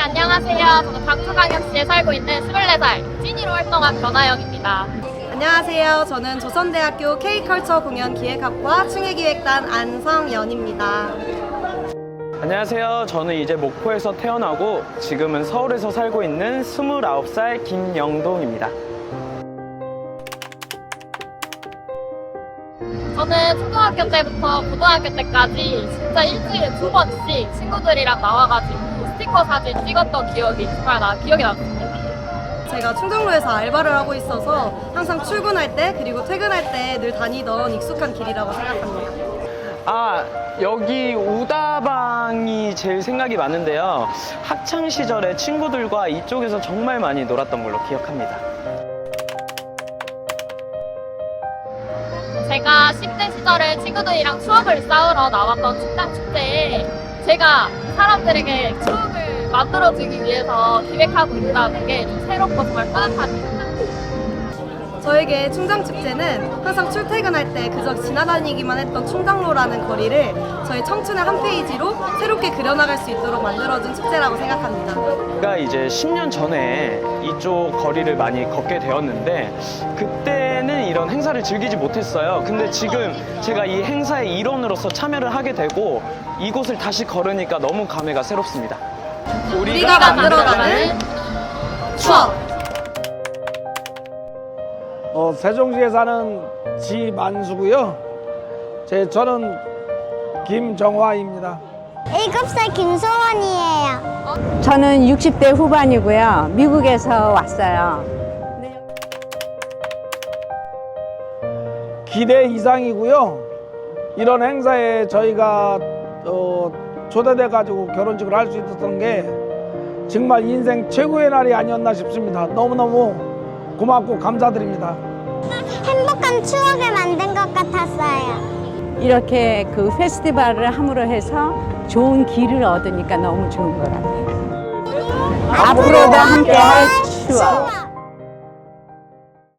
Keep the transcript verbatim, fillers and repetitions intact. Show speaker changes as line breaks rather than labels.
안녕하세요. 저는 광주광역시에 살고 있는 스물네 살 찐이로 활동한 변아영입니다.
안녕하세요. 저는 조선대학교 K컬처 공연 기획학과 충해기획단 안성연입니다.
안녕하세요. 저는 이제 목포에서 태어나고 지금은 서울에서 살고 있는 스물아홉 살 김영동입니다.
저는 초등학교 때부터 고등학교 때까지 진짜 일주일에 두 번씩 친구들이랑 나와가지고 스티커 사진 찍었던 기억이 정말 나 기억이 남습니다.
제가 충정로에서 알바를 하고 있어서 항상 출근할 때 그리고 퇴근할 때 늘 다니던 익숙한 길이라고 생각합니다.
아, 여기 우다방이 제일 생각이 많은데요. 학창 시절에 친구들과 이쪽에서 정말 많이 놀았던 걸로 기억합니다.
제가 십 대 시절에 친구들이랑 추억을 쌓으러 나왔던 식당 축제에 제가 사람들에게 추억을 만들어주기 위해서 기획하고 있다는 게 좀 새롭고 정말 뿌듯합니다.
저에게 충정축제는 항상 출퇴근할 때 그저 지나다니기만 했던 충정로라는 거리를 저의 청춘의 한 페이지로 새롭게 그려나갈 수 있도록 만들어준 축제라고 생각합니다.
제가 이제 십 년 전에 이쪽 거리를 많이 걷게 되었는데 그때는 이런 행사를 즐기지 못했어요. 근데 지금 제가 이 행사의 일원으로서 참여를 하게 되고 이곳을 다시 걸으니까 너무 감회가 새롭습니다.
우리가 만들어가는 추억!
어, 세종시에 사는 지만수고요. 제 저는 김정화입니다.
일곱 살 김소원이에요.
저는 육십 대 후반이고요. 미국에서 왔어요.
기대 이상이고요. 이런 행사에 저희가 어, 초대돼 가지고 결혼식을 할 수 있었던 게 정말 인생 최고의 날이 아니었나 싶습니다. 너무너무 고맙고 감사드립니다.
행복한 추억을 만든 것 같았어요.
이렇게 그 페스티벌을 함으로 해서 좋은 길을 얻으니까 너무 좋은 것 같아요. 앞으로도 함께 할 추억.